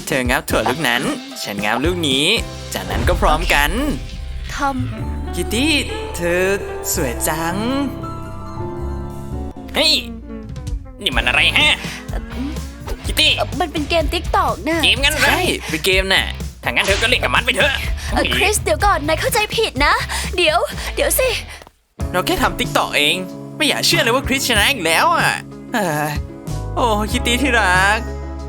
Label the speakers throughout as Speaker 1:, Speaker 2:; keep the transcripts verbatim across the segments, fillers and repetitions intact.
Speaker 1: เธองับถั่วลูกนั้นฉันงับลูกนี้จากนั้นก็พร้อมกัน
Speaker 2: ทอม
Speaker 1: คิตตี้เธอสวยจัง
Speaker 3: เฮ้ยนี่มันอะไรฮะคิตตี้
Speaker 2: เอ่อมันเป็นเกมติ๊กตอกนะ
Speaker 3: เกมงั้นเหรอ
Speaker 1: ใช่เป็นเกมน่ะ
Speaker 3: ถ้างั้นเธอก็เล่นกับมันไปเถอะ
Speaker 2: เอ่อคริสเดี๋ยวก่อนนายเข้าใจผิดนะ เดี๋ยว เดี๋ยวสิ
Speaker 1: เราแค่ทำติ๊กต็อกเอง ไม่อยากเชื่อเลยว่าคริสชนะอีกแล้วอ่ะเอ้ยโอ้คิตตี้ที่รัก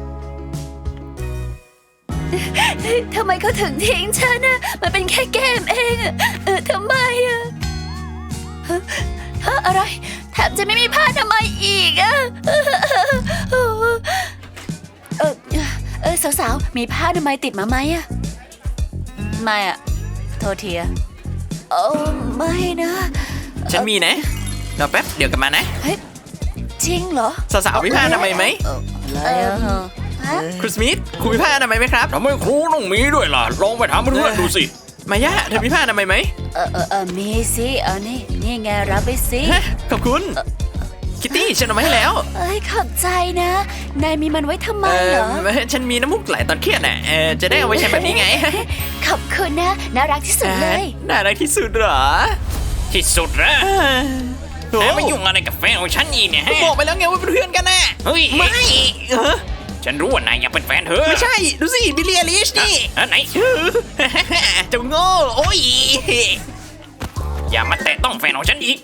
Speaker 2: ทำไมเขาถึงทิ้งฉันนะมันเป็นแค่เกมเองอะเออทำไมอะฮะฮะอะไรแถมจะไม่มีผ้าทำไมยอีกอะเออเออเออสาวๆมีผ้าทำไมยติดมาไหมอะไม่อะโทษทีอะโอ้ไม่นะ
Speaker 1: ฉันมีนะรอแป๊บเดี๋ยวกลับมานะ
Speaker 2: เฮ้ยจริงเหรอ
Speaker 1: สาวๆมีผ้าอนามัยไหม
Speaker 2: อะไรอะฮะ
Speaker 1: ครูสมิธคุณมีผ้าอนามัยไหมครับ
Speaker 3: ทำไมครูต้องมีด้วยล่ะลองไปถามเพื่อนๆดูสิ
Speaker 1: มายาเธอมีผ้าอนามัยไหม
Speaker 2: เออเออเออมีสิเออนี่นี่ไงรับไปสิ
Speaker 1: ฮะขอบคุณคิตตี้ฉันเอามาให้แล้ว
Speaker 2: เอ้ยขอบใจนะ นายมีมันไว้ทำไม
Speaker 1: เอ
Speaker 2: เหรอ
Speaker 1: อฉันมีน้ำมูกไหลตอนเครียดน่ะเออจะได้เอาไว้ใช้แบบนี้ไง
Speaker 2: ขอบคุณนะ น่ารักที่สุดเลย
Speaker 1: น่ารักที่สุดเหรอ
Speaker 3: ที่สุดนะ
Speaker 1: โอ้
Speaker 3: แหมมายุ่งอะไรกับแฟนของฉันอีกเนี่ยฮะ
Speaker 1: บอกไปแล้วไงว่าเป็นเพื่อนกันน่ะ
Speaker 3: เฮ้ย
Speaker 1: ไม่เออ
Speaker 3: ฉันรู้ว่านายอยากเป็นแฟนเธอ
Speaker 1: ไม่ใช่ดูสิบิลลี่อลิชนี่
Speaker 3: ฮะไหน
Speaker 1: เจ้าโง่โอ้ย
Speaker 3: อย่ามาแตะต้องแฟนของฉันอีก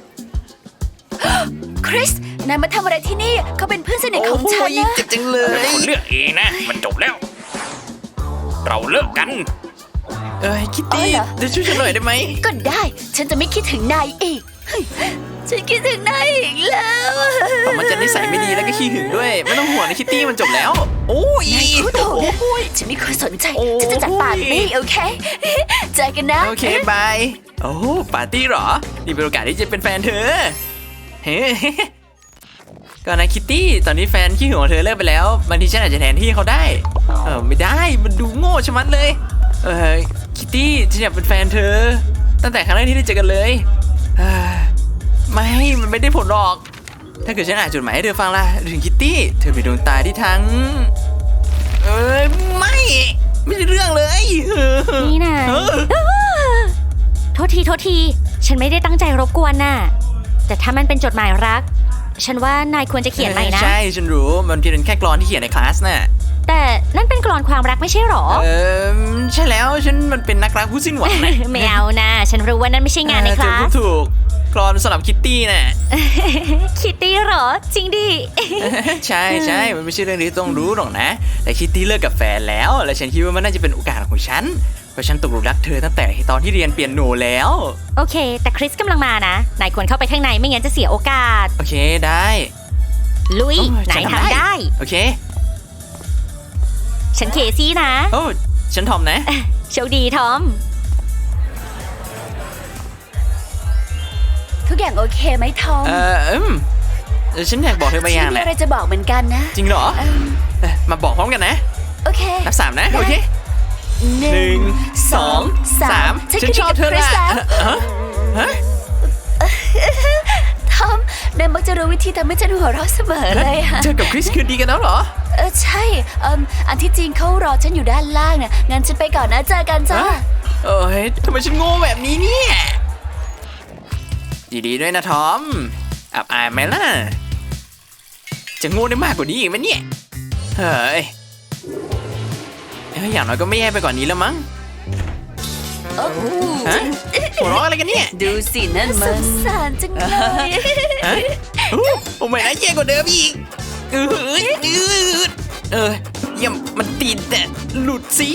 Speaker 2: คริส นายมาทำอะไรที่นี่ เขาเป็นเพื่อนสนิทของฉัน
Speaker 1: โอ้ย
Speaker 2: นะ
Speaker 1: เจ็บจังเล
Speaker 3: เป็น
Speaker 1: ย
Speaker 3: คนเลือกเองนะ มันจบแล้ว เราเลิกกัน
Speaker 1: เอ้ยคิตตี้เดี๋ยวช่วยฉันหน่อยได้ไหม
Speaker 2: ก็ได้ ฉันจะไม่คิดถึงนายอีกเฮ้ยฉันคิดถึงนายอีกแล้ว
Speaker 1: มันจะนิสัยไม่ดีแล้วก็ขี้หึงด้วย ไม่ต้องห่วงนะคิตตี้มันจบแล้ว โอ้ย
Speaker 2: นายพูดถูกนะฉันไม่เคยสนใจ ฉันจะจัดปาร์ตี้โอเคเจอกันนะ
Speaker 1: โอเคบายโอ้ปาร์ตี้เหรอ นี่เป็นโอกาสที่จะเป็นแฟนเธอ เฮ้ก็นะคิตตี้ ตอนนี้แฟนขี้หึงของเธอเลิกไปแล้ว บางทีฉันอาจจะแทนที่เขาได้ เออไม่ได้ มันดูโง่ชะมัดเลย เออคิตตี้ฉันอยากเป็นแฟนเธอ ตั้งแต่ครั้งแรกที่ได้เจอกันเลยเอ้ยไม่ มันไม่ได้ผลหรอก ถ้าเกิดฉันอ่านจดหมายให้เธอฟังล่ะถึงคิตตี้ เธอเป็นดวงตาที่ทั้ง เอ้ยไม่ ไม่ใช่เรื่องเลย
Speaker 4: นี่นะ
Speaker 1: เออ
Speaker 4: โทษทีโทษที ฉันไม่ได้ตั้งใจรบกวนน่ะ แต่ถ้ามันเป็นจดหมายรัก ฉันว่านายควรจะเขียนใหม่นะ
Speaker 1: ใช่ ฉันรู้ มันเป็นแค่กลอนที่เขียนในคลาสน่ะ
Speaker 4: แต่นั่นเป็นกลอนความรักไม่ใช่หรอ
Speaker 1: เออใช่แล้วฉันมันเป็นนักรักผู้สิ้นหวังนะ
Speaker 4: ไม่เอานะ ฉันรู้ว่านั่นไม่ใช่งานในคลา
Speaker 1: เธอพู
Speaker 4: ส
Speaker 1: ดถูกกรอนสำหรับคิตตี้น่ะ
Speaker 4: คิตตี้หรอ จริงดิ
Speaker 1: ใช่ใช่มันไม่ใช่เรื่องที่ต้องรู้หรอกนะ แต่คิตตี้เลิกกับแฟนแล้ว และฉันคิดว่ามันน่าจะเป็นโอกาสของฉัน เพราะฉันตกหลุมรักเธอตั้งแต่ตอนที่เรียนเปียโนแล้ว
Speaker 4: โอเค แต่คริสกำลังมานะ นายควรเข้าไปข้างในไม่งั้นจะเสียโอกาส
Speaker 1: โอเคได้
Speaker 4: ลุย
Speaker 1: โอ้ย
Speaker 4: นาย
Speaker 1: ฉันทำ
Speaker 4: ทำ
Speaker 1: ได้
Speaker 4: ได้
Speaker 1: โอเค
Speaker 4: ฉันเคซี่นะ
Speaker 1: โอ้ฉันทอมนะ
Speaker 4: โชคดีทอม
Speaker 2: ทุกอย่างโอเคไหมทอม
Speaker 1: เอออืมเออฉันอยากบอกเธอบางอ
Speaker 2: ฉั
Speaker 1: ย่าง
Speaker 2: นมี
Speaker 1: นะ
Speaker 2: อะไรจะบอกเหมือนกันนะ
Speaker 1: จริงเหรอ
Speaker 2: เอิ่ม
Speaker 1: เอ้ยมาบอกพร้อมกันนะ
Speaker 2: โอเค
Speaker 1: นับสามนะ
Speaker 2: ได้
Speaker 1: โอเค
Speaker 2: ห
Speaker 1: ห
Speaker 2: นึ่
Speaker 1: นึ่
Speaker 2: ง
Speaker 1: ง
Speaker 2: ส
Speaker 1: ส
Speaker 2: อ
Speaker 1: อง ง
Speaker 2: สา
Speaker 1: สาม ม
Speaker 2: ฉัน
Speaker 1: ฉันชอบเธอ
Speaker 2: คริ
Speaker 1: ละ
Speaker 2: สแล้ว
Speaker 1: ฮะฮะ
Speaker 2: ทอมนายมักจะรู้วิธีทำให้ฉันหัวเราะเสมอเลยอะ
Speaker 1: เธอกับคริสคืนดีกันแล้วเหรอ
Speaker 2: เออใช่เอ่มอันที่จริงเขารอฉันอยู่ด้านล่างน่ะงั้นฉันไปก่อนนะเจอกันจ้า
Speaker 1: ฮะ เอ้ยทำไมฉันโง่แบบนี้เนี่ยดีๆด้วยนะทอม อับอายไหมล่ะ จะโง่ได้มากกว่านี้อีกไหมเนี่ย เฮ้ยเอ้ยอย่างน้อยก็ไม่แย่ไปกว่านี้แล้วมั้ง
Speaker 2: โอ้โห
Speaker 1: ฮะหัวเราะอะไรกันเนี่ย
Speaker 2: ดูสินั่นมันสงสารจังเลย
Speaker 1: ฮะโอ้โอ้ไม่นะแย่กว่าเดิมอีกเออเออเออเยี่ยมมันติดแต่หลุดสิ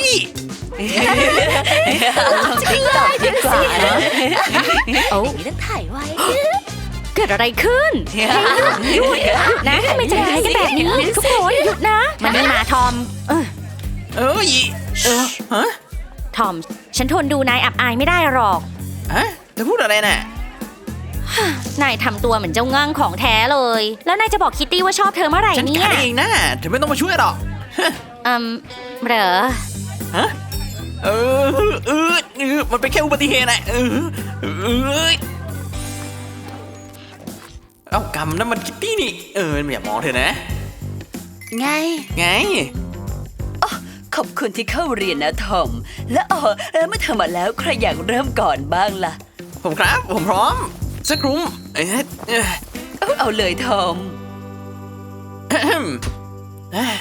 Speaker 2: ติ๊กต็อกดีกว่าเนอะ
Speaker 4: โอ้
Speaker 2: ต้องถ่ายไว้
Speaker 4: เกิดอะไรขึ้นเฮ้ยหยุดหยุดนะทำไมใจร้ายกันแบบนี้ ทุกคนหยุดนะมันนี่มาทอม เออ
Speaker 1: เอ้ยเออฮะ
Speaker 4: ทอม ฉันทนดูนายอับอายไม่ได้หรอก
Speaker 1: ฮะเธอพูดอะไรน่ะ
Speaker 4: นายทำตัวเหมือนเจ้างั่งของแท้เลย แล้วนายจะบอกคิตตี้ว่าชอบเธอเมื่อไหร่
Speaker 1: ฉัน
Speaker 4: เนี่
Speaker 1: กั
Speaker 4: ย
Speaker 1: ดเองนะเธอไม่ต้องมาช่วยหรอก
Speaker 4: อืมเหรอ
Speaker 1: ฮะเออเออเออมันเป็นแค่อุบัติเหตุนะเออเออเอ้ากำนั่นมันคิตตี้นี่เอออย่ามองเธอนะ
Speaker 2: ไง
Speaker 1: ไง
Speaker 2: ขอบคุณที่เข้าเรียนนะทอม และอ๋อแล้วเมื่อเธอมาแล้วใครอยากเริ่มก่อนบ้างล่ะ
Speaker 1: ผมครับ ผมพร้อมสักครุ้มเอ๊ะเอ๊ะ
Speaker 2: เอาเอาเลยทอม
Speaker 1: แอะแฮมเอ๊ะ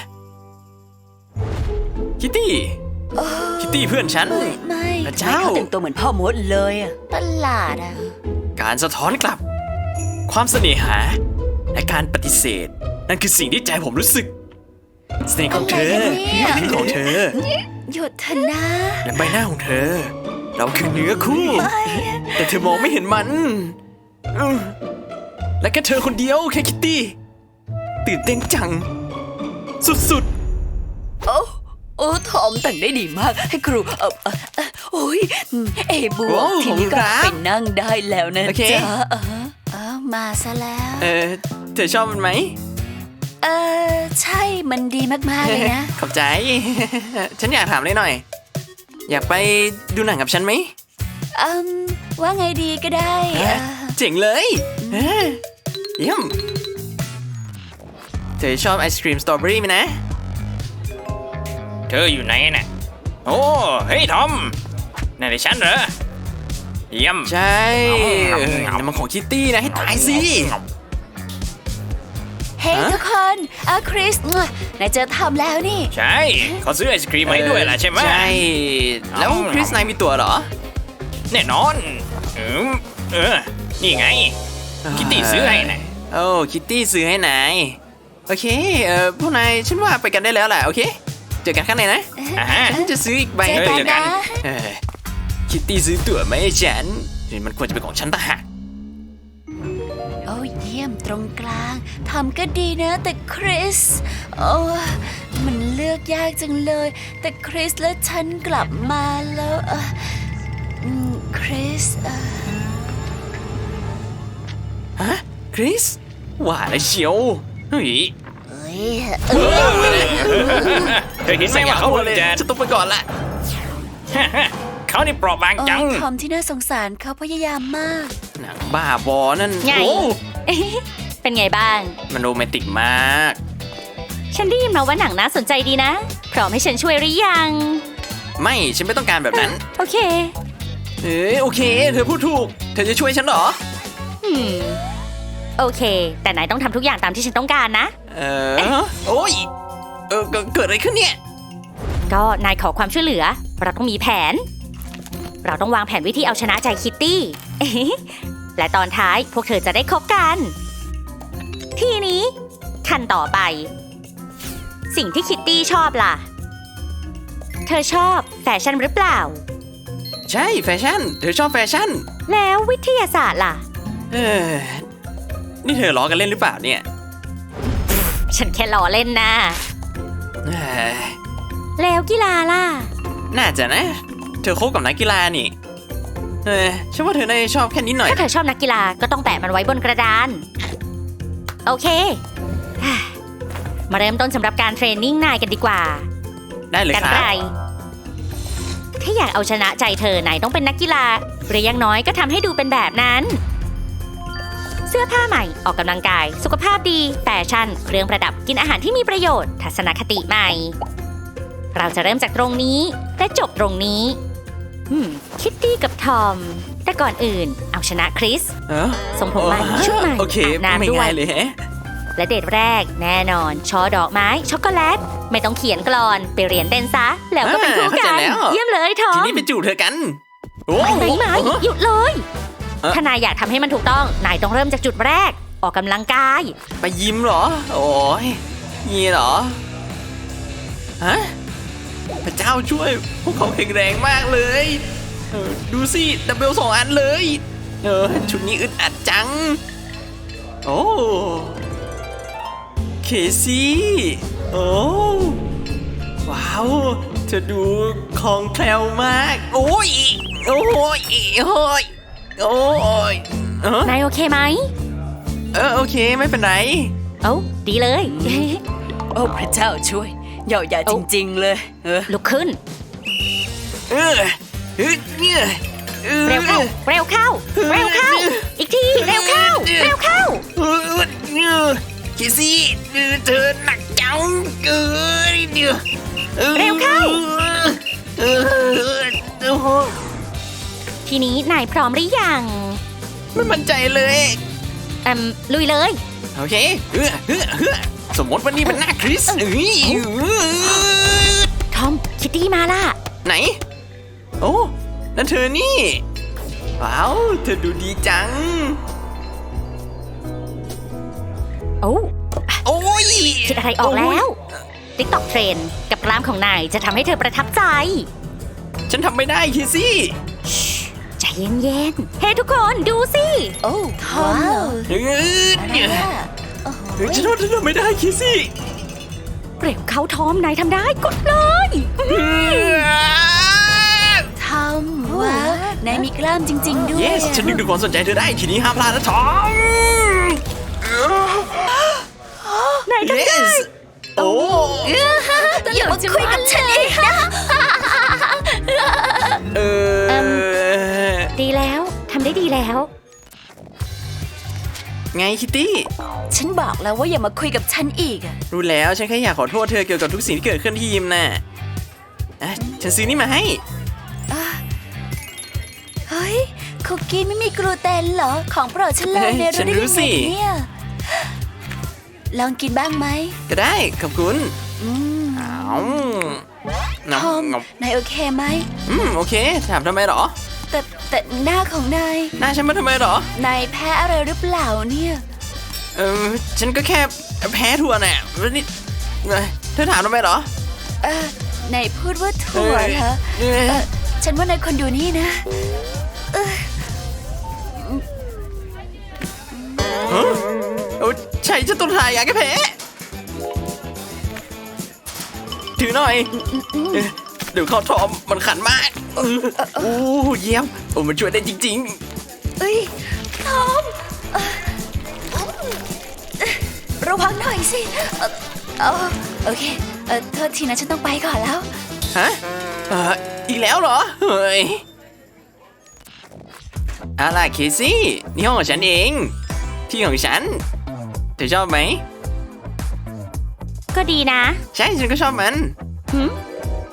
Speaker 1: คิตตี้คิตตี้เพื่อนฉัน
Speaker 2: ไม่
Speaker 1: พระเจ้า
Speaker 2: เขาแต่งตัวเหมือนพ่อมดเลยอะประหลาดอะ
Speaker 1: การสะท้อนกลับ ความเสน่หา และการปฏิเสธ นั่นคือสิ่งที่ใจผมรู้สึกเสน่ห์ของเธอลิ้นของเธอ
Speaker 2: หยุดเถอะนะ
Speaker 1: และใบหน้าของเธอ เราคือเนื้อคู่ แต่เธอมองไม่เห็นมันอืมและแค่เธอคนเดียวแค่คิตตี้ ตื่นเต้นจัง สุด
Speaker 2: โอ้โอ้ทอมแต่งได้ดีมาก ให้ครูเออเออเอ่อโอ้ยอืมเอบวกทีนี้ก็ไปนั่งได้แล้วนะจ๊ะเออเออมาซะแล้ว
Speaker 1: ๆ เออเธอชอบมันไหม
Speaker 2: เออใช่มันดีมากๆเลยนะ
Speaker 1: ขอบใจ ฉันอยากถามเลยหน่อย อยากไปดูหนังกับฉันไหม
Speaker 2: อืมว่าไงดีก็ได้เอ่อ
Speaker 1: เจ๋งเลยเอ้ยเยี่ยมเธอชอบไอศครีมสตรอเบอรี่ไหมนะ
Speaker 3: เธออยู่ไหนน่ะโอ้เฮ้ยทอมนั่นไอ้ฉันเหรอเยี่ยม
Speaker 1: ใช่เออนั่นมันของคิตตี้นะให้ตายสิ
Speaker 2: เฮ้ย
Speaker 1: ฮะ
Speaker 2: ทุกคนอาคริสนายเจอทอมแล้วนี่
Speaker 3: ใช่เขาซื้อไอศครีมมาให้ด้วยล่ะใช่ไหม
Speaker 1: ใช่ แล้วคริสนายมีตัวเหรอ
Speaker 3: แน่นอนอืมเออนี่ไง คิตตี้ซื้อให้น่ะ
Speaker 1: โอ้คิตตี้ซื้อให้นาย โอเค เออพวกนายฉันว่าไปกันได้แล้วแหละโอเค เจอกันข้างในนะ
Speaker 3: อ่าฮะ
Speaker 1: ฉันจะซื้ออีกใบ
Speaker 2: เจอกัน
Speaker 1: เจอกั
Speaker 2: นะ
Speaker 1: เออคิตตี้ซื้อตั๋วมาให้ฉันมันควรจะเป็นของฉันต่างหาก
Speaker 2: โอ้เยี่ยมตรงกลางทำก็ดีนะแต่คริส โอ้มันเลือกยากจังเลย แต่คริสและฉันกลับมาแล้วเอออืมคริสเออ
Speaker 1: ฮะคริสว่าแล้วเชียวเฮ้ย
Speaker 2: เอ้ย
Speaker 3: เธอเห็นไหมว่าเขาเพิ่งจะ
Speaker 1: จะต้องไปก่อนละ
Speaker 3: เขานี่เปราะบาง
Speaker 2: โอ้
Speaker 3: จัง
Speaker 2: ทอมที่น่าสงสารเขาพยายามมาก
Speaker 1: หนังบ้าบอนั่น
Speaker 4: ไง
Speaker 1: โอ้
Speaker 4: เป็นไงบ้าง
Speaker 1: มันโรแมนติกมาก
Speaker 4: ฉันได้ยินมาว่าหนังน่าสนใจดีนะ พร้อมให้ฉันช่วยหรือยัง
Speaker 1: ไม่ฉันไม่ต้องการแบบนั้น
Speaker 4: โอเค
Speaker 1: เอ้ยโอเค เธอพูดถูก เธอจะช่วยฉันเหรอ
Speaker 4: อืม โอเค แต่นายต้องทำทุกอย่างตามที่ฉันต้องการนะ
Speaker 1: เออโอ้ยเออเกิดเกิดอะไรขึ้นเนี่ย
Speaker 4: ก็นายขอความช่วยเหลือ เราต้องมีแผน เราต้องวางแผนวิธีเอาชนะใจคิตตี้ และตอนท้ายพวกเธอจะได้คบกัน ทีนี้ขั้นต่อไป สิ่งที่คิตตี้ชอบล่ะ เธอชอบแฟชั่นหรือเปล่า
Speaker 1: ใช่แฟชั่น เธอชอบแฟชั่น
Speaker 4: แล้ววิทยาศาสตร์ล่ะ
Speaker 1: เออนี่เธอล้อกันเล่นหรือเปล่าเนี่ย
Speaker 4: ฉันแค่ล้อเล่นนะ
Speaker 1: เอ้ย
Speaker 4: แล้วกีฬาล่ะ
Speaker 1: น่าจะนะ เธอคบกับนักกีฬานี่ เออฉันว่าเธอน่าจะชอบแค่นิดหน่อย
Speaker 4: ถ้าเธอชอบนักกีฬาก็ต้องแปะมันไว้บนกระดาน โอเค มาเริ่มต้นสำหรับการเทรนนิ่งนายกันดีกว่า
Speaker 1: ได้เลย
Speaker 4: กัน
Speaker 1: ครับ
Speaker 4: ไรถ้าอยากเอาชนะใจเธอนายต้องเป็นนักกีฬา หรืออยังน้อยก็ทำให้ดูเป็นแบบนั้น เสื้อผ้าใหม่ออกกำลังกาย สุขภาพดีแฟชั่น เครื่องประดับกินอาหารที่มีประโยชน์ ทัศนคติใหม่ เราจะเริ่มจากตรงนี้และจบตรงนี้อืมคิตตี้กับทอม แต่ก่อนอื่น เอาชนะคริส
Speaker 1: เออ
Speaker 4: ทรงผมใหม่ชุดใหม่
Speaker 1: โอเค
Speaker 4: อาบน้ำ
Speaker 1: ไม่
Speaker 4: ด้วย
Speaker 1: ง่ายเลยแฮะ
Speaker 4: และเดทแรกแน่นอน ช่อดอกไม้ ช็อกโกแลต ไม่ต้องเขียนกลอน ไปเรียนเต้นซะ แล้วก็เป็นคู่
Speaker 1: อ่าเข้าใจ
Speaker 4: กัน
Speaker 1: แล้ว
Speaker 4: เยี่ยมเลยทอ
Speaker 1: ที
Speaker 4: ม
Speaker 1: นี้ไปจูบเธอกัน โอ้
Speaker 4: ไม่ไม่ไม่
Speaker 1: โอ้
Speaker 4: หยุดเลย
Speaker 1: เอ๊ะ
Speaker 4: ถ้านายอยากทำให้มันถูกต้อง นายต้องเริ่มจากจุดแรก ออกกำลังกาย
Speaker 1: ไปยิ้มเหรอ โอ้ยงี้เหรอ ฮะ พระเจ้าช่วย พวกเขาแข็งแรงมากเลยเออดูสิ ดับเบิลสองอันเลย เออ ชุดนี้อึดอัดจัง โอ้ เคซี่ โอ้ ว้าว เธอดูคล่องแคล่วมาก โอ้ย โอ้ย โอ้ย โอ้ยเออน
Speaker 4: ายโอเคไหม
Speaker 1: เออ โอเค ไม่เป็นไร
Speaker 4: เอ้าดีเลย
Speaker 2: โอ้พระเจ้าช่วยเหยาะหยาจริงๆเลย เออ
Speaker 4: ลุกขึ้น
Speaker 1: เออเออเนี่ยออ
Speaker 4: เร็วเข้า เร็วเข้า เร็วเข้า อีกที เร็วเข้า เร็วเข้า
Speaker 1: เออเนี่ยคิซี่เออเธอหนักจังเออเดี๋ยวออ
Speaker 4: เร็วเข้าทีนี้นายพร้อมหรือยัง
Speaker 1: ไม่มั่นใจเลย
Speaker 4: อืมลุยเลย
Speaker 1: โอเคเฮ้อเฮ้อเฮ้อสมมติวันนี้มันหน้าคริสเอ้ย
Speaker 4: ทอม คิตตี้มาล่ะ
Speaker 1: ไหน โอ้นั่นเธอนี่ ว้าว เธอดูดีจัง
Speaker 4: โอ้
Speaker 1: โอ้ย
Speaker 4: คิดอะไรออกแล้ว TikTok เทรนด์กับกล้ามของนายจะทำให้เธอประทับใจ
Speaker 1: ฉันทำไม่ได้คิซี่
Speaker 4: ใจเย็นๆ เฮ้ทุกคนดูสิ
Speaker 2: โอ้ว้าว
Speaker 1: เฮ้ย
Speaker 2: อะไรอะโอ้โห
Speaker 1: ฉันว่าฉันทำไม่ได้คิซี่
Speaker 4: เร็วเขาทอมนายทำได้กดเลย
Speaker 2: ทำว้าวนายมีกล้ามจริง ๆ ด้วย
Speaker 1: yes ฉันดึงดูดความสนใจเธอได้ ทีนี้ห้ามพลาดนะทอม
Speaker 4: นายทำได้
Speaker 1: yes โอ้
Speaker 2: อย่ามาคุยกับฉันอีกนะ
Speaker 1: เออ
Speaker 4: ดีแล้วทำได้ดีแล้ว
Speaker 1: ไงคิตตี้
Speaker 2: ฉันบอกแล้วว่าอย่ามาคุยกับฉันอีกอะ
Speaker 1: รู้แล้วฉันแค่อยากขอโทษเธอเกี่ยวกับทุกสิ่งที่เกิดขึ้นที่ยิมน่ะอ่ะฉันซื้อนี่มาให้
Speaker 2: เฮ้ยคุกกี้ไม่มีกลูเตนเหรอ ของโปรดฉันเลย
Speaker 1: เฮ้ย
Speaker 2: เนี่ย
Speaker 1: ฉัน
Speaker 2: ได้
Speaker 1: รู้
Speaker 2: ยัง
Speaker 1: สิ
Speaker 2: ไงเนี่ยลองกินบ้างไหม
Speaker 1: ก็ได้ขอบคุณ
Speaker 2: อืม
Speaker 1: อ้าว
Speaker 2: ทอม
Speaker 1: งับ
Speaker 2: นายโอเคไหม
Speaker 1: อืมโอเค ถามทำไมเหรอ
Speaker 2: แต่แต่หน้าของนาย
Speaker 1: หน้าฉันมาทำไมเหรอ
Speaker 2: นายแพ้อะไรหรือเปล่าเนี่ย
Speaker 1: เออฉันก็แค่แพ้ถั่วน่ะแล้วนี่เอ้ยเธอถามทำไมเหรอ
Speaker 2: เออนายพูดว่าถั่วเหรอ
Speaker 1: เอ้ย
Speaker 2: เออฉันว่านายคนดูนี่นะเออ
Speaker 1: ฮะโอ้ใช่ฉันต้องทายยาแก้แพ้ถือหน่อยเอ้ยเดี๋ยวเข้าทอมมันขันมากเออโอ้เยี่ยมโอ้มันช่วยได้จริง
Speaker 2: เอ้ยทอมเอ่อระวังหน่อยสิเอ่อเอ่อโอเคเออโทษทีนะฉันต้องไปก่อนแล้ว
Speaker 1: ๆ ฮะเอออีกแล้วเหรอ เฮ้ยเอาล่ะเคซี่นี่ห้องของฉันเอง ที่ของฉัน เธอชอบไหม
Speaker 4: ก็ดีนะ
Speaker 1: ใช่ฉันก็ชอบมัน
Speaker 4: หืม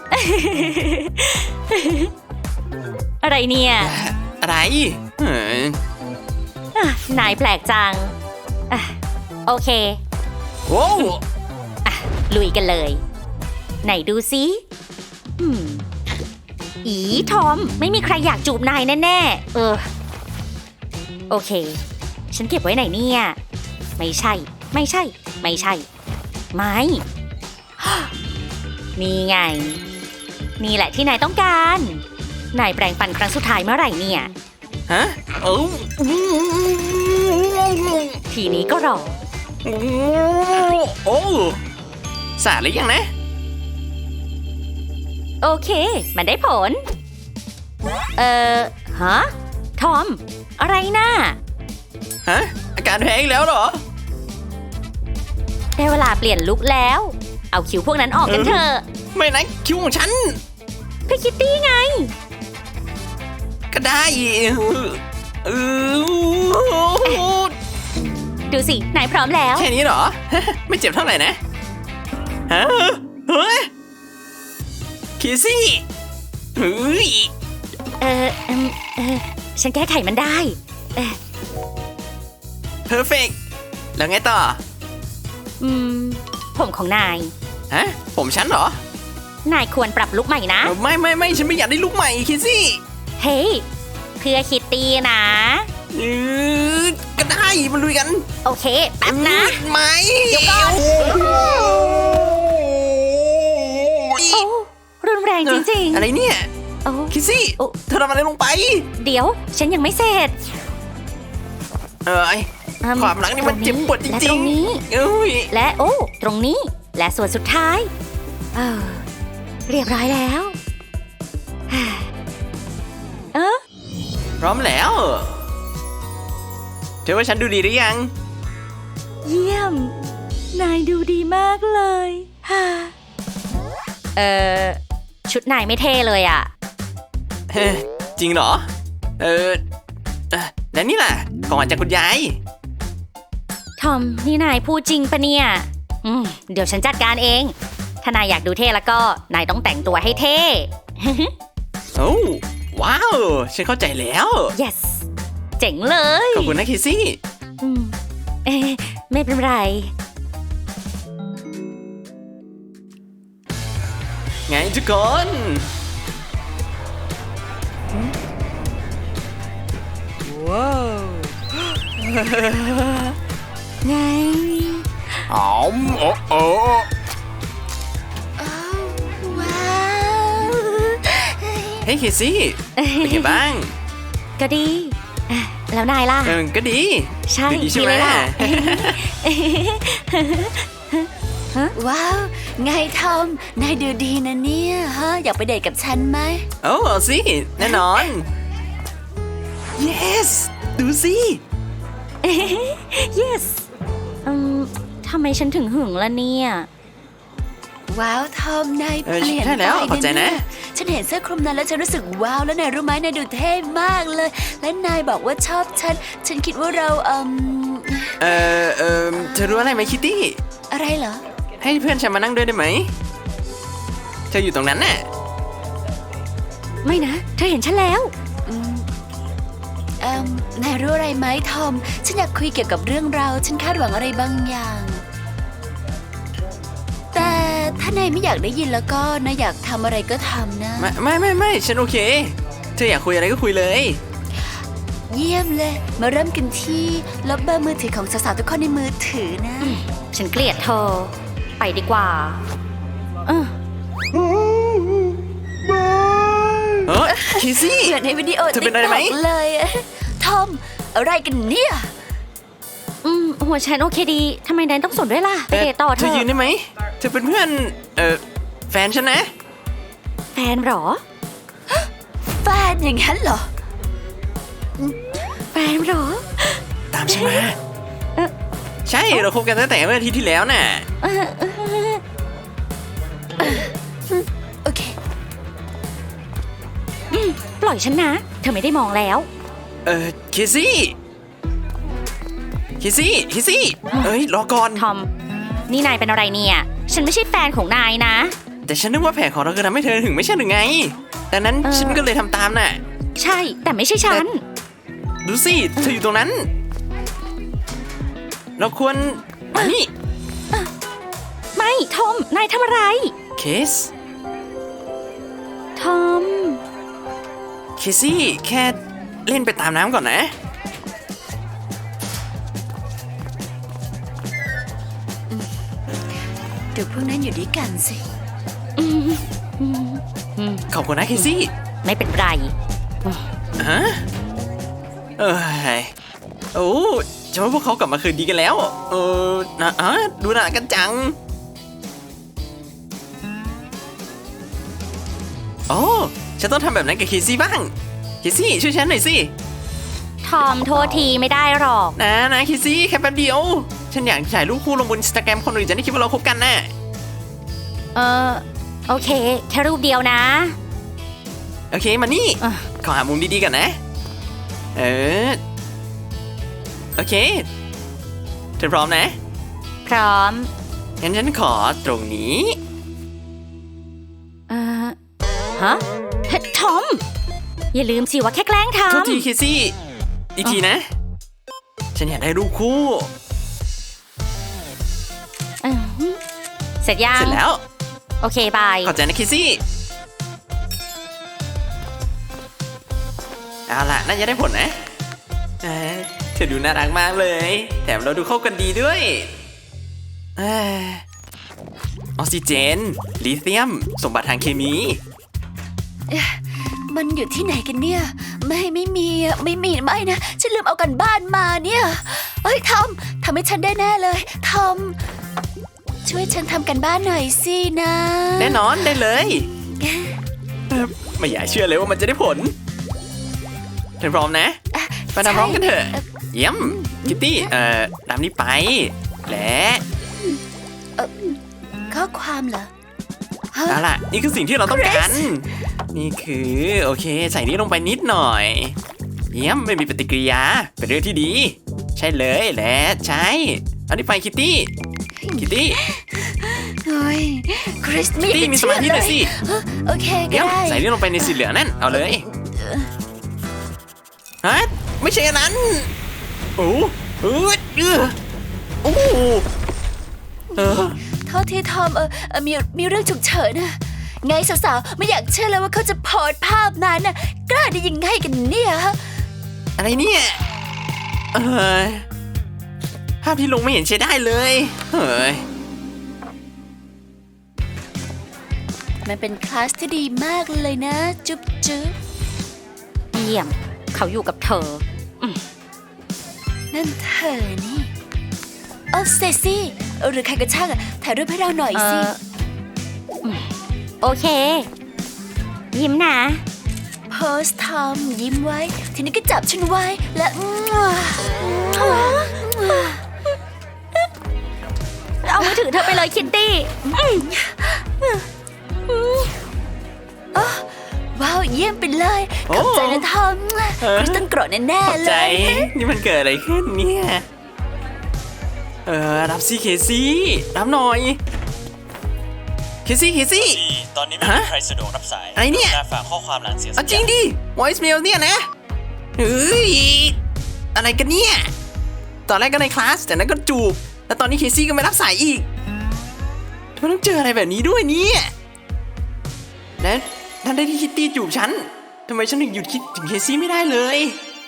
Speaker 4: อะไรเนี่ย
Speaker 1: อะไรเฮ้ย
Speaker 4: อ่ะนายแปลกจังอ่ะโอเค
Speaker 1: โว้ว
Speaker 4: อ่ะลุยกันเลย ไหนดูซิอืมอีทอม ไม่มีใครอยากจูบนายแน่ๆ เออ โอเค ฉันเก็บไว้ไหนเนี่ย ไม่ใช่ ไม่ใช่ ไม่ใช่ ไม่ นี่ไง นี่แหละที่นายต้องการ นายแปลงฟันครั้งสุดท้ายเมื่อไหร่เนี่ย
Speaker 1: ฮะเอ้า
Speaker 4: ทีนี้ก็รอ
Speaker 1: โอ้สาดหรือยังนะ
Speaker 4: โอเค มันได้ผล เอ่อ ฮะ ทอม อะไรนะ
Speaker 1: ฮะ อาการแพ้อีกแล้วเหรอ
Speaker 4: ได้เวลาเปลี่ยนลุคแล้ว เอาคิวพวกนั้นออกกันเถอะ
Speaker 1: ไม่นะคิ้วของฉัน
Speaker 4: พี่คิตตี้ไง
Speaker 1: ก็ได้เออ
Speaker 4: ดูสิ นายพร้อมแล้ว
Speaker 1: แค่นี้เหรอ ไม่เจ็บเท่าไหร่นะฮะเฮ้ยคิซี่เฮ้ย
Speaker 4: เออเอิ่มเออ ฉันแก้ไขมันได้ เออ
Speaker 1: เพอร์เฟกแล้วไงต่อ
Speaker 4: อืม ผมของนาย
Speaker 1: ฮะ ผมฉันเหรอ
Speaker 4: นายควรปรับลุคใหม่นะ
Speaker 1: เออไม่ไม่ไม่ฉันไม่อยากได้ลูกใหม่คิซี่
Speaker 4: เฮ้ย เพื่อคิตตี้นะ
Speaker 1: เออก็ได้มาลุยกัน
Speaker 4: โอเค แป๊บนะ
Speaker 1: ไม่
Speaker 4: เดี๋ยวก่อน โอ้รุนแรงจริงๆ
Speaker 1: อะไรเนี่ย
Speaker 4: โอ้
Speaker 1: คิซี่
Speaker 4: โอ้
Speaker 1: เธอทำอะไรลงไป
Speaker 4: เดี๋ยว ฉันยังไม่เสร็จ
Speaker 1: เอ้ย
Speaker 4: อื
Speaker 1: ความรักนี่มันเจ็บปวดจ
Speaker 4: และ
Speaker 1: ริ
Speaker 4: ตรง งนี้
Speaker 1: ๆเอ้ย
Speaker 4: และโอ้ ตรงนี้ และส่วนสุดท้าย เออ เรียบร้อยแล้ว เออ
Speaker 1: พร้อมแล้ว เธอว่าฉันดูดีหรือยัง
Speaker 4: เยี่ยม นายดูดีมากเลยฮ่าเออชุดนายไม่เท่เลยอ่ะ
Speaker 1: เฮ้ยจริงเหรอ เออเอ่อแล้วนี่ล่ะ ของขวัญจากคุณยาย
Speaker 4: ทอม นี่นายพูดจริงปะเนี่ย อืม เดี๋ยวฉันจัดการเอง ถ้านายอยากดูเท่แล้วก็ นายต้องแต่งตัวให้เท่
Speaker 1: โอ้ว้าว ฉันเข้าใจแล้ว
Speaker 4: yes เจ๋งเลย
Speaker 1: ขอบคุณนะเคซี่
Speaker 4: อืมเอ๊ะไม่เป็นไร
Speaker 1: ไงทุกคน ว้าว
Speaker 4: ไง
Speaker 3: อ๋อมโอ้โอ้
Speaker 2: อ้าวว้าว
Speaker 1: เฮ้ยเคซี่เป็นไงบ้าง
Speaker 4: ก็ดีอ่ะแล้วนายล่ะ
Speaker 1: เออก็ดี
Speaker 4: ใช่
Speaker 1: ดีใช่ไหม
Speaker 4: เลยล่ะ
Speaker 2: ว้าวไงทอมนายดูดีนะเนี่ยฮะอยากไปเดทกับฉันไหม
Speaker 1: โอ้เอาสิ แน่นอน yes ดูสิ
Speaker 4: yes อืมทำไมฉันถึงหึงล่ะเนี่ย
Speaker 2: ว้าวทอมนาย
Speaker 1: เออ
Speaker 2: เปลี่ยน
Speaker 1: ใช่
Speaker 2: ไป
Speaker 1: แล้วขอบใจนะ
Speaker 2: เยฉันเห็นเสื้อคลุมนั้นแล้วฉันรู้สึกว้าวแล้วนายรู้ไหมนายดูเท่มากเลย และนายบอกว่าชอบฉัน ฉันคิดว่าเราเอ่ม
Speaker 1: เออเออเธอรู้อะไรไหมคิตตี้
Speaker 2: อะไรเหรอ
Speaker 1: ให้เพื่อนฉันมานั่งด้วยได้ไหม เธออยู่ตรงนั้นน่ะ
Speaker 4: ไม่นะ เธอเห็นฉันแล้ว
Speaker 2: อืมเอ่มนายรู้อะไรไหมทอม ฉันอยากคุยเกี่ยวกับเรื่องราวฉันคาดหวังอะไรบางอย่าง แต่ถ้านายไม่อยากได้ยินแล้วก็นายอยากทำอะไรก็ทำนะ
Speaker 1: ไม่ไม่ไม่ไม่ฉันโอเค เธออยากคุยอะไรก็คุยเลย
Speaker 2: เยี่ยมเลย มาเริ่มกันที่ลบเบอร์มือถือของสาวๆทุกคนในมือถือนะ
Speaker 4: ฉันเกลียดเธอ ไปดีกว่าเออ
Speaker 1: เออเคซี่
Speaker 2: เหมือนในวิดีโอ
Speaker 1: เธอเป็นอะไรไหม
Speaker 2: ติ๊กต็อกเลยอะทอม อะไรกันเนี่ย
Speaker 4: อืมหัวฉันโอเคดีทำไมนายต้องสนด้วยล่ะ ไปเดทต่อเธ
Speaker 1: เธอ
Speaker 4: อ
Speaker 1: ยืนได้ไหม เธอเป็นเพื่อน เออแฟนฉันนะ
Speaker 4: แฟนเหรอ
Speaker 2: แฟนอย่างนั้นเหรอ
Speaker 4: แฟนเหรอ
Speaker 1: ตามฉันมา
Speaker 4: เอ่อ
Speaker 1: ใช่ เราคบกันตั้งแต่เมื่ออาทิตย์ที่แล้วน่ะ
Speaker 4: เออเออ
Speaker 2: โอเค
Speaker 4: อืมปล่อยฉันนะ เธอไม่ได้มองแล้ว
Speaker 1: เออเคซี่เคซี่เคซี่เอ้ย รอก่อน
Speaker 4: ทอม นี่นายเป็นอะไรเนี่ย ฉันไม่ใช่แฟนของนายนะ
Speaker 1: แต่ฉันนึกว่าแผนของเราคือทำให้เธอถึงไม่ใช่หรือไง ดังนั้น
Speaker 4: เออ
Speaker 1: ฉันก็เลยทำตามน่ะ
Speaker 4: ใช่ แต่ไม่ใช่ฉัน
Speaker 1: ดูสิ เธออยู่ตรงนั้น เราควรมานี่
Speaker 4: ไม่ ทอม นายทำอะไร
Speaker 1: เคส
Speaker 4: ทอม
Speaker 1: เคซี่แค่เล่นไปตามน้ำก่อนนะ
Speaker 2: เดี๋ยวพวกนั้นอยู่ด้วยกันสิ
Speaker 4: อืมอืมอืม
Speaker 1: ขอบคุณนะเคซี่
Speaker 4: ไม่เป็นไร
Speaker 1: ฮะเอ้ยโอ้ฉันว่าพวกเขากลับมาคืนดีกันแล้ว เออนะอ่ะดูหน้ากันจัง โอ้ฉันต้องทำแบบนั้นกับเคซี่บ้าง เคซี่ช่วยฉันหน่อยสิ
Speaker 4: ทอมโทษทีไม่ได้หรอก
Speaker 1: นะนะเคซี่แค่แป๊บเดียว ฉันอยากถ่ายรูปคู่ลงบนอินสตาแกรมคนอื่นจะได้คิดว่าเราคบกันน่ะ
Speaker 4: เออ โอเค แค่รูปเดียวนะ
Speaker 1: โอเคมานี่
Speaker 4: อ่ะ
Speaker 1: ขอหามุมดีๆกันนะ เออ โอเค เธอพร้อมนะ
Speaker 4: พร้อม
Speaker 1: งั้นฉันขอตรงนี้
Speaker 4: เออฮะเฮ้ยทอม อย่าลืมสิว่าแค่แกล้งท
Speaker 1: โทษทีเคซี่ อีกทีนะ ฉันอยากได้รูปคู่
Speaker 4: ำอืมเสร็จยัง
Speaker 1: เสร็จแล้ว
Speaker 4: โอเค บาย
Speaker 1: ขอบใจนะเคซี่ เอาล่ะ น่าจะได้ผลนะเอ้ยเธอดูน่ารักมากเลย แถมเราดูเข้ากันดีด้วยเอ้ยออกซิเจน ลิเธียม สมบัติทางเคมี
Speaker 2: มันอยู่ที่ไหนกันเนี่ย ไม่ไม่มีอะไม่มีไม่นะ ฉันลืมเอากันบ้านมาเนี่ย เฮ้ยทอมทำให้ฉันได้แน่เลยทอม ช่วยฉันทำกันบ้านหน่อยสินะ
Speaker 1: แน่นอนได้เลยเอ่อไม่อยากเชื่อเลยว่ามันจะได้ผลเธอพร้อมนะ
Speaker 2: อ่ะ
Speaker 1: ไปทำพร้อมกันเถอะ
Speaker 2: ใช่
Speaker 1: เยี่ยมคิตตี้ เอ่อตามนี้ไป และ
Speaker 2: ข้อความเหรอฮะ
Speaker 1: เอาล่ะ นี่คือสิ่งที่เราต้องการ นี่คือ โอเค ใส่นี้ลงไปนิดหน่อย เยี่ยมไม่มีปฏิกิริยา เป็นเรื่องที่ดี ใช่เลยและใช่เอานี้ไปคิตตี้ คิตตี้
Speaker 2: เฮ้ยคริสไม่อยาก
Speaker 1: ตี้
Speaker 2: จะ
Speaker 1: มีส
Speaker 2: เชื่
Speaker 1: มา
Speaker 2: อ
Speaker 1: ธิห
Speaker 2: เล
Speaker 1: น่อย
Speaker 2: ย
Speaker 1: สิ
Speaker 2: ฮะโอเคก็
Speaker 1: เยี่ยม
Speaker 2: ได้
Speaker 1: ใส่นี้ลงไปในสีเหลืองนั่น เอาเลย
Speaker 2: เอ
Speaker 1: ฮะไม่ใช่อันนั้นโอ้เออเออโอ้เออ
Speaker 2: โทษทีทอมเออเออมีมีเรื่องฉุกเฉินนะไงสาวๆไม่อยากเชื่อเลยว่าเขาจะโพสต์ภาพนั้นน่ะกล้าได้ยังไงกันเนี่ยฮะ
Speaker 1: อะไรเนี่ยเออภาพที่ลงไม่เห็นใช้ได้เลยเฮ้ย
Speaker 2: มันเป็นคลาสที่ดีมากเลยนะ จุ๊บจุ๊บ
Speaker 4: เยี่ยม เขาอยู่กับเธอ
Speaker 2: นั่นเธอนี่เออเซซี่เออหรือใครก็ช่างอะถ่ายรูปให้เราหน่อย
Speaker 4: เอ
Speaker 2: สิ
Speaker 4: ออืมโอเค ยิ้มนะ
Speaker 2: โพสต์ทอมยิ้มไว้ ทีนี้ก็จับฉันไว้และอื้อ
Speaker 4: เอามือถือเธอไปเลยคิตตี้
Speaker 2: ว้าวเยี่ยมไปเลยขอบใจนะทอมคริสตันโกรธแน่
Speaker 1: ขอบ
Speaker 2: ๆเล
Speaker 1: ใจ
Speaker 2: ย
Speaker 1: นี่มันเกิดอะไรขึ้นเนี่ยเออรับซี่เคซี่รับหน่อยเคซี่เคซี่
Speaker 3: ตอนนี้ไม่มีใครสะดวกรับสาย
Speaker 1: อะไรเนี่ย
Speaker 3: น่าฝากข้อความหลังเสียง
Speaker 1: เอาจริงดิ voice mail เนี่ยนะเฮ้ยอะไรกันเนี่ยตอนแรกก็ในคลาสแต่นั้นก็จูบแล้วตอนนี้เคซี่ก็ไม่รับสายอีกทำไมต้องเจออะไรแบบนี้ด้วยเนี่ยและท่านได้ที่คิตตี้จูบฉันทำไมฉันถึงหยุดคิดถึงเคซี่ไม่ได้เลย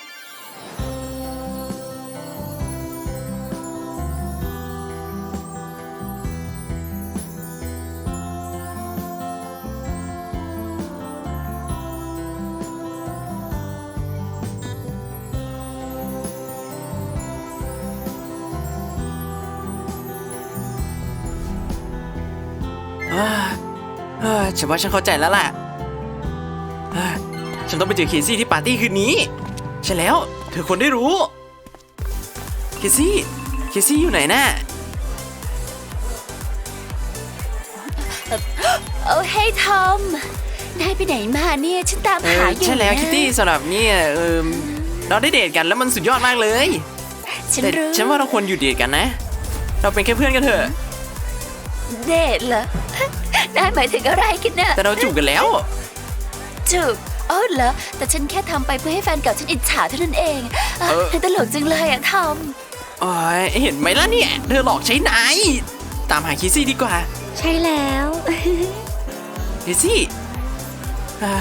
Speaker 1: เอ้อเอ้อฉันว่าฉันเข้าใจแล้วล่ะเอ้อฉันต้องไปเจอเคซี่ที่ปาร์ตี้คืนนี้ใช่แล้วเธอควรได้รู้เคซี่เคซี่อยู่ไหนน่ะ
Speaker 2: โอ้เฮ้ยทอมนายไปไหนมาเนี่ยฉันตาม
Speaker 1: เอ
Speaker 2: หา
Speaker 1: อ
Speaker 2: อยู่
Speaker 1: ใช่แล้ว
Speaker 2: นะ
Speaker 1: คิตตี้สำหรับเนี่ยเออเราได้เดทกันแล้วมันสุดยอดมากเลย
Speaker 2: ฉัน
Speaker 1: แต่
Speaker 2: รู้
Speaker 1: ฉันว่าเราควรหยุดเดทกันนะ เราเป็นแค่เพื่อนกันเถอะ
Speaker 2: เดทเหรอ นายหมายถึงอะไรกันน่ะ
Speaker 1: แต่เราจูบกันแล้ว
Speaker 2: จูบอ๋อเหรอแต่ฉันแค่ทำไปเพื่อให้แฟนเก่าฉันอิจฉาเท่านั้นเองอ่ะ
Speaker 1: เออ
Speaker 2: ตลกจังเลยอะทอม
Speaker 1: โอ้ยเห็นไหมล่ะเนี่ยเธอหลอกใช้นายตามหาคิซี่ดีกว่า
Speaker 4: ใช่แล้ว
Speaker 1: คิซี่อ่า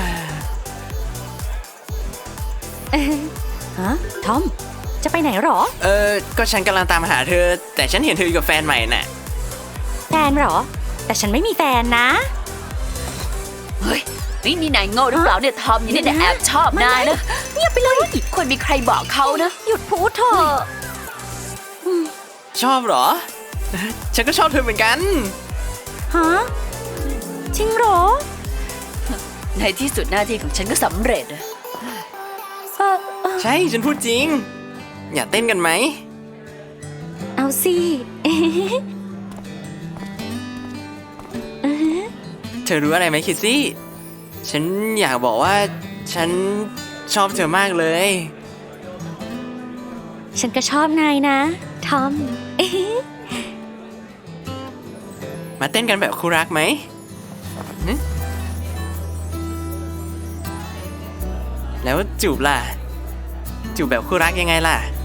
Speaker 4: ฮะ ทอม จะไปไหนหรอ
Speaker 1: เออก็ฉันกำลังตามหาเธอ แต่ฉันเห็นเธออยู่กับแฟนใหม่น่ะ
Speaker 4: แฟนหรอ แต่ฉันไม่มีแฟนนะ
Speaker 2: เฮ้ยนี่นี่นายโง่หรือเปล่าเนี่ยทอมนี่เนี่ยแอบชอบนายนะ
Speaker 4: เงียบไปเลย
Speaker 2: ควรมีใครบอกเขานะ
Speaker 4: หยุดพูดเถอะ
Speaker 1: ชอบเหรอ ฉันก็ชอบเธอเหมือนกัน
Speaker 4: ฮะ จริงเหรอ
Speaker 2: ในที่สุดหน้าที่ของฉันก็สำเร็จอะ
Speaker 4: เออเออ
Speaker 1: ใช่ฉันพูดจริง อยากเต้นกันไหม
Speaker 4: เอาสิ
Speaker 1: เธอรู้อะไรไหมคิซี่ ฉันอยากบอกว่าฉันชอบเธอมากเลย
Speaker 4: ฉันก็ชอบนายนะ ทอม
Speaker 1: มาเต้นกันแบบคู่รักไหมหึแล้วจูบล่ะ จูบแบบคู่รักยังไงล่ะ